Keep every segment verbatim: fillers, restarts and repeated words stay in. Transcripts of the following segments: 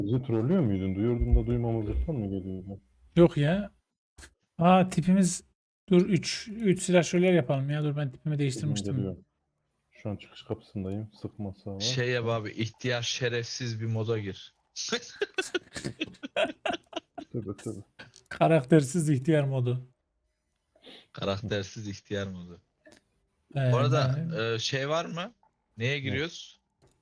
Bizi trollüyor muydun? Duyurdum da duymamazlıktan mı geliyordu? Yok ya. Aa tipimiz dur üç üç silahşörler yapalım ya. Dur ben tipimi Geliyorum değiştirmiştim. geliyorum. Şu an çıkış kapısındayım. Sıkma sağa. Şey yap abi, ihtiyar şerefsiz bir moda gir. Tövbe tövbe. Karaktersiz ihtiyar modu. Karaktersiz ihtiyar modu. Ee, Bu arada yani, e, şey var mı? Neye Ne? giriyoruz?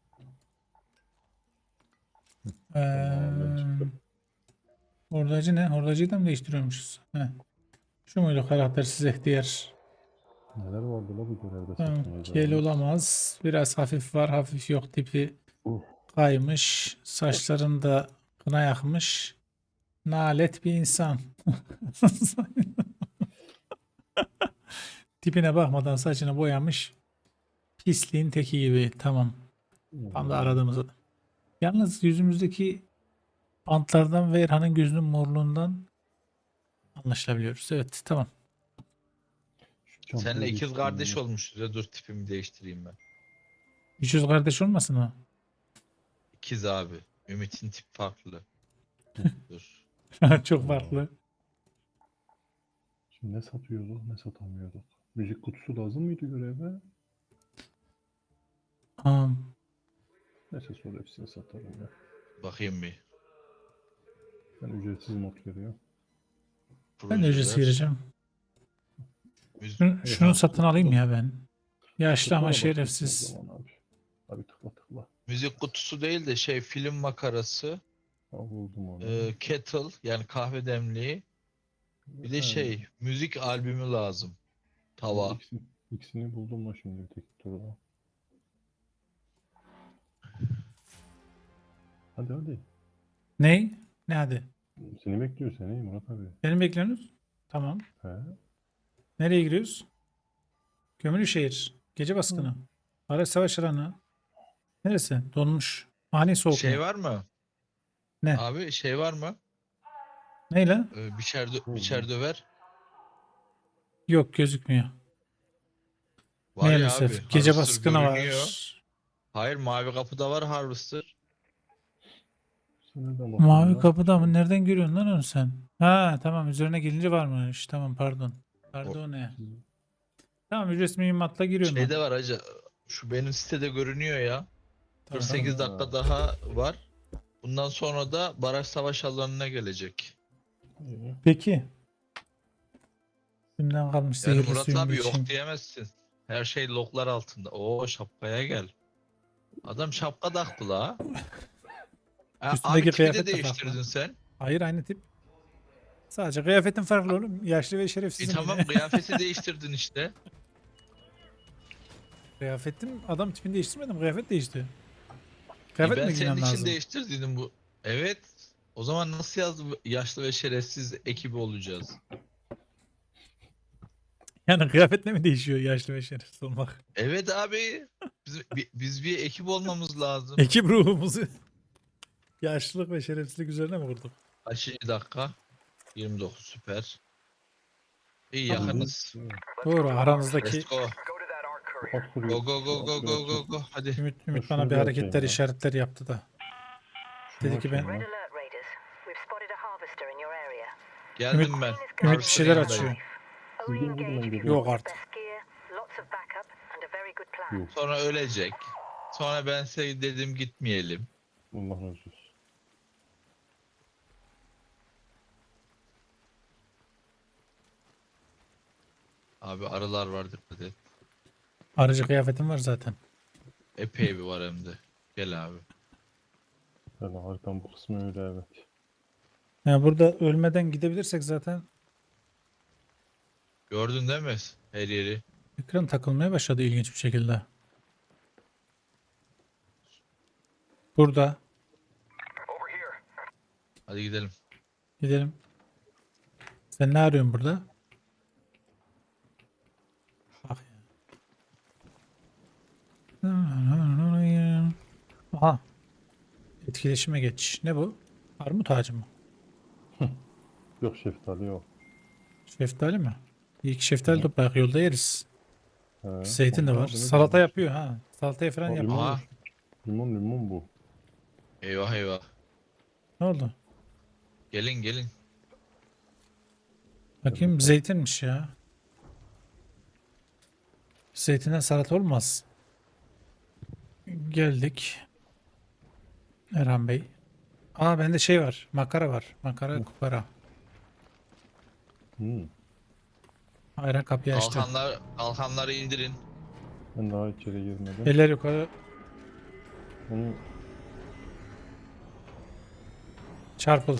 Tamam ben ee, çıktım. hordacı ne? Hordacıyı da mı değiştiriyormuşuz? Heh. Şu muydu karaktersiz ihtiyar? Neler vardı la bu görevde Tamam. Kel satmayacağımız? olamaz. Biraz hafif var. Hafif yok tipi. Uh, Kaymış. Saçlarında kına yakmış. Nalet bir insan. Tipine bakmadan saçını boyamış. Pisliğin teki gibi. Tamam. Tam da hmm. aradığımız adam. Yalnız yüzümüzdeki bantlardan ve Erhan'ın gözünün morluğundan anlaşılabiliyoruz. Evet tamam. Şu çantayı Seninle ikiz değiştireyim kardeş ya. olmuşuz ya, dur tipimi değiştireyim ben. Hiç yüz kardeş olmasın mı? İkiz abi. Ümit'in tip farklı. Dur. Çok farklı. Şimdi ne satıyorduk ne satamıyorduk. Müzik kutusu lazım mıydı göreve? Aa, Neyse sonra hepsini satarım ya. Bakayım bir. Ben ücretsiz mod geliyor. ben de ücretsiz Projeler. gireceğim. Müzik. Şunu, Hey, şunu ha, satın tıkla, alayım ya ben. Yaşlı tıkla ama da başlasın o şerefsiz. zaman abi. Abi tıkla tıkla. Müzik kutusu değil de şey, film makarası. Ha, buldum onu. e, kettle yani kahve demliği. Bir de Ha, şey, müzik albümü lazım. Tava. ikisini, ikisini buldum mu şimdi tek turda. Hadi hadi. Ney? Ne hadi? Seni bekliyor seni Murat abi. Beni bekliyorsunuz. Tamam. He? Nereye giriyoruz? Gömülüşehir. Gece baskını. Araç savaş alanı. Neresi? Donmuş. Ani soğuk Şey mu? var mı? Ne? Abi şey var mı? Neyle? Ee, biçer, dö- Hı, biçer döver. Yok gözükmüyor. Var ya abi. Maalesef. Gece Harvester baskını görünüyor. var. Hayır, mavi kapıda var Harvester. Sen nereden bakıyorsun Mavi ya? kapıda mı? Nereden görüyorsun lan onu sen? Ha tamam üzerine gelince varmış. Tamam pardon. O Pardon ne? Siz- Tamam ücretsiz mühimmatla giriyorum ben. şeyde var acı. Şu benim sitede görünüyor ya. Tamam. kırk sekiz Ha. dakika daha var. Bundan sonra da baraj savaş alanına gelecek. İyi. Peki. Şimdiden kalmış Yani zehirli Murat suyumu abi içeyim. yok diyemezsin. Her şey loklar altında. Oo, şapkaya gel. Adam şapka taktı la. Ha, Üstündeki abi tipi kıyafet de de değiştirdin farklı. sen. Hayır aynı tip. Sadece kıyafetin farklı oğlum. Yaşlı ve E şerefsizim tamam, yine. kıyafeti değiştirdin işte. Kıyafetim adam tipini değiştirmedim. Kıyafet değişti. E Kıyafet ben mi senin giymem için lazım? değiştirdim bu. Evet. O zaman nasıl yazdı, yaşlı ve şerefsiz ekibi olacağız? Yani kıyafetle mi değişiyor yaşlı ve şerefsiz olmak? Evet abi. Biz, bi- biz bir ekip olmamız lazım. Ekip ruhumuzu yaşlılık ve şerefsizlik üzerine mi kurduk? Kaçıncı dakika? yirmi dokuz, süper. İyi, Tamam. yakınız. Doğru aranızdaki Let's go. At kuruyor. Go go go Şu go at go bir go açayım. go. Hadi. Ümit, Ben Ümit şunu bana bir bir hareketler açayım ya. işaretler yaptı da. Şunu Dedi ki ben- açayım Red ya. alert, Raiders. We've spotted a harvester in your area. Geldim ben. Ümit bir Harvester şeyler yanındayım. açıyor. Only Bildiğin gibi engage ben if geliyorum. you've Yok got the artık. best gear, lots of backup, and a very good plan. Yok. Sonra ölecek. Sonra ben size dedim gitmeyelim. Allah razı olsun. Abi arılar var, dikkat et. Aracı kıyafetim var zaten. Epey bir var hem de. Gel abi. Yani haritanın bu kısmı öyle evet. Yani burada ölmeden gidebilirsek zaten Gördün değil mi her yeri? ekran takılmaya başladı ilginç bir şekilde. Burada. Hadi gidelim. Gidelim. Sen ne arıyorsun burada? Bak ya. Aha. Etkileşime geç. Ne bu? Armut ağacı mı? Yok şeftali yok. Şeftali mi? İlk şeftali toplayak yolda yeriz. He. Zeytin de Onda var. abi ne Salata güzel yapıyor ha. Salataya falan işte. Aa, yapıyor. limon, Aha. limon limon bu. Eyvah eyvah. Ne oldu? Gelin gelin. Bakayım zeytinmiş ya. Zeytinden salata olmaz. Geldik. Erhan Bey. Aa bende şey var. Makara var. Makara kupara. Hmm. Ayran kapıyı açtı. Kalkanlar, kalkanları indirin. Ben daha içeri girmedim. Eller yukarı. Onu Çarpıl.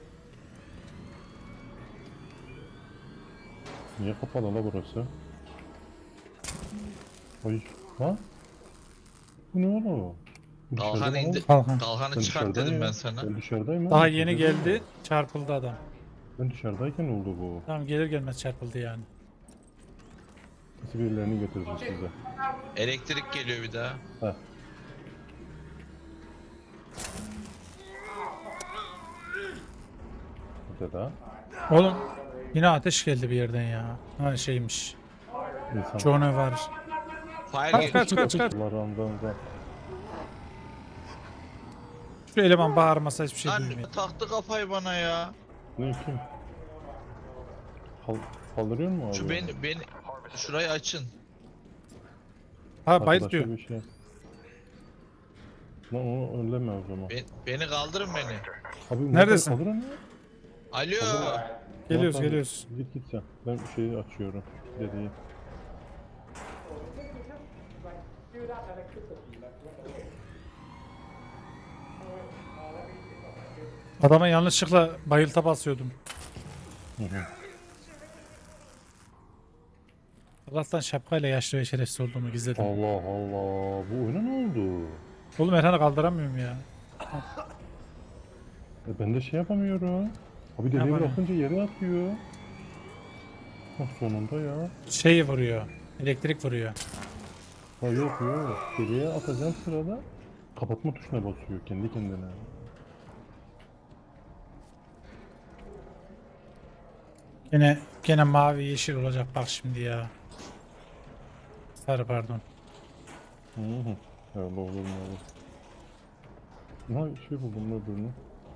niye kapalı la burası? Ay. Ha? Bu ne oğlum? Bu Kalkan dışarıda mı indi. oğlum? Kalkan. Kalkanı Ben çıkart dışarıdayım dedim ya. ben sana. Ben dışarıdayım Daha oğlum, yeni dışarıdayım. geldi. Çarpıldı adam. Ben dışarıdayken oldu bu. Tamam gelir gelmez çarpıldı yani. Nasıl birilerini götürdüm size. Elektrik geliyor bir daha. Heh. Burada da Oğlum yine ateş geldi bir yerden ya. Ha şeymiş. insan. Johnny var. Fire Kaç geliyor. kaç kaç kaç. Allah randan. Şu eleman bağırmasa hiçbir şey Lan duymuyor. taktı kafayı bana ya. Ne kim? Kal kaldırıyor mu abi? Şu beni, beni şurayı açın. Ha bayılt Arkadaşa diyor. bir şey. Lan onu önleme o zaman. Ben- beni kaldırın beni. Abi Neredesin? Kaldır onu. Alo. Geliyoruz Tamam, geliyoruz. Git git sen. Ben şeyi açıyorum. Dediği. Adama yanlışlıkla bayılta basıyordum. Hı hı. Allah'tan şapkayla yaşlı ve şerefsiz olduğumu gizledim. Allah Allah. Bu oyuna ne oldu? Oğlum Erhan'ı kaldıramıyorum ya. E ben de şey yapamıyorum. Abi deliği Yapamıyorum. bırakınca yere atıyor. Bak sonunda ya. Şey vuruyor. Elektrik vuruyor. Ha yok yok. Deliğe atacağım sırada kapatma tuşuna basıyor kendi kendine. Gene gene mavi yeşil olacak bak şimdi ya. Sarı pardon. Hı hı. Öyle olur mu olur. Ha şey buldum öbürünü.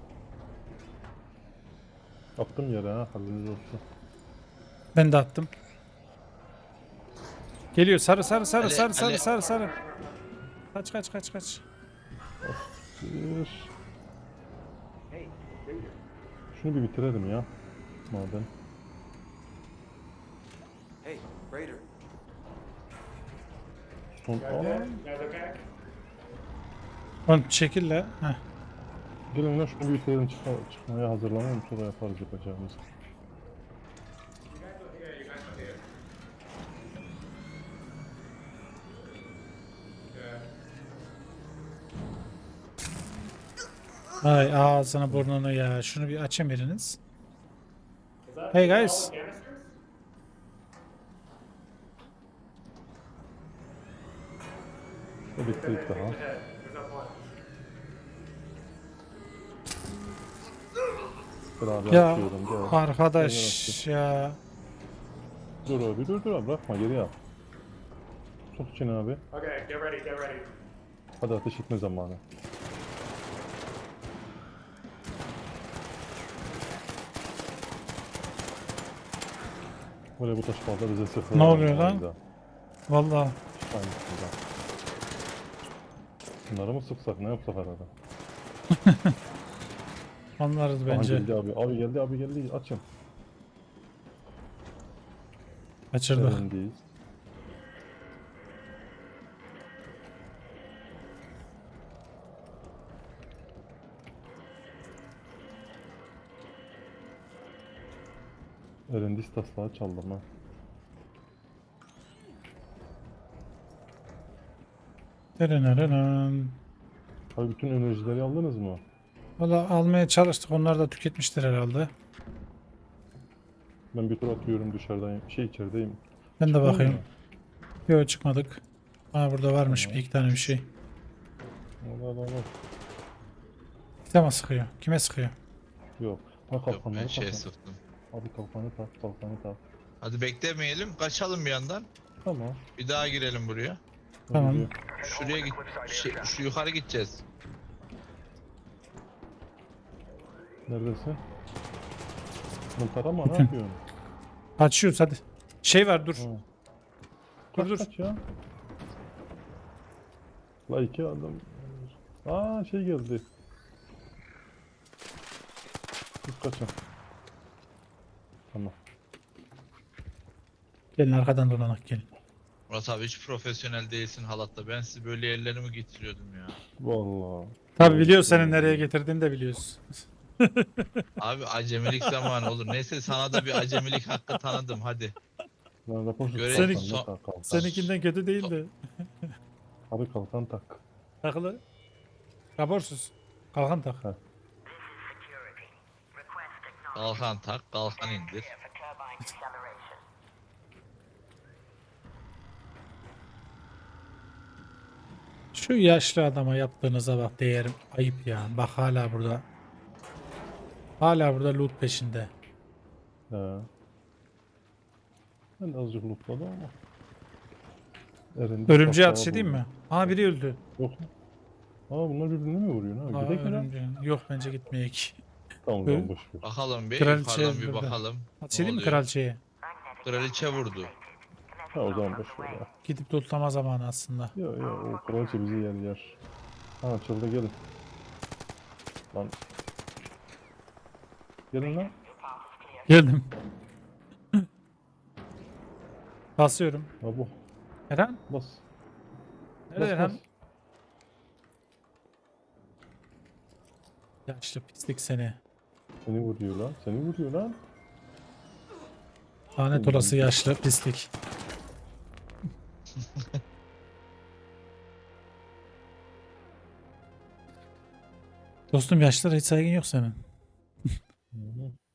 Attım yere ha haberiniz olsun. Ben de attım. Geliyor sarı sarı sarı Ale- sarı sarı ale- sarı sarı. Kaç kaç kaç kaç. Bir. Şunu bir bitirelim ya. Madem. Hey, Raider. Son aa. Oğlum çekil la. Heh. Gelin lan şunu bir bitirelim çıkma, çıkmaya hazırlanalım sonra yaparız yapacağımızı. Ay ağzını burnunu ya. Şunu bir açın biriniz. Hey guys. O bitti daha. Beraber Ya atıyorum. Gel. arkadaş ya. Dur abi dur dur abi bırakma geri al. Sok içine abi. Okay, get ready, get ready. Hadi ateş etme zamanı. Böyle bu taş balda bize sıfır. Ne oluyor lan? Aynı da. Vallahi Aynısında. Bunları mı sıksak ne yapsak arada? anlarız Aha bence. geldi abi. Abi geldi abi geldi açın. Kaçırdık. Elindeyiz. Erendis taslağı çaldım ha. Dırınırının. Abi bütün enerjileri aldınız mı? Valla almaya çalıştık. Onlar da tüketmiştir herhalde. Ben bir tur atıyorum dışarıdayım. Şey içerideyim. Ben de Çıkmıyor bakayım. mu? Yok çıkmadık. Aa burada varmış bir iki tane bir şey. Allah Allah Allah. Kime sıkıyor? Kime sıkıyor? Yok. Ha Yok kalkanları ben şey tak. sıktım. Abi kalkanı tak, kalkanı tak. Hadi beklemeyelim. Kaçalım bir yandan. Tamam. Bir daha girelim buraya. Tamam. Gidiyor. Şuraya git. Şey, şu yukarı gideceğiz. Neredesin? Mıntara mı? Ne yapıyorsun? Kaçıyoruz hadi. Şey var dur. Ha. Dur Kaç dur. kaç ya? La iki adam. Aa şey geldi. Biz kaçın. Tamam. Gelin arkadan dolanak gelin. Murat abi hiç profesyonel değilsin halatta. Ben sizi böyle yerlere mi getiriyordum ya? Vallahi. Tabi biliyoruz senin nereye getirdiğini de biliyoruz. Abi acemilik zamanı olur. Neyse sana da bir acemilik hakkı tanıdım hadi. Lan rapor tut, Görev- kalkan, Senin- ne tak, kalkan. Seninkinden kötü değil de. Abi kalkan tak. Takılı. Raporsuz. Kalkan tak. Kalkan tak, kalkan indir. Şu yaşlı adama yaptığınıza bak değerim. Ayıp ya. Bak hala burada. Hala burada loot peşinde. He. Ben de azıcık lootladım ama. Erindi, Örümceğe kapağı ateş edeyim buldu. mi? Aa biri öldü. Yok. Aa bunlar birbirini mi vuruyor? Ne? Aa, Gidelim mi lan? örümceğe. Yok bence gitmeyek. Tamam Ö- tamam boş ver. Bakalım bir Kraliçe yukarıdan bir burada. bakalım. Ateş Ne edeyim mi oluyor? kraliçeye? Kraliçe vurdu. Ha o zaman boş ver ya. Gidip lootlama zamanı aslında. Yok yok o kraliçe bizi yer yer. Ha açıldı gelin. Lan. Gelin lan. Geldim. Basıyorum. Ha bu. Eren? Bas. Nerede Bas Eren? bas. Yaşlı pislik seni. Seni vuruyor lan. Seni vuruyor lan. Lanet olası yaşlı pislik. Dostum yaşlılara hiç saygın yok senin. Hı hı.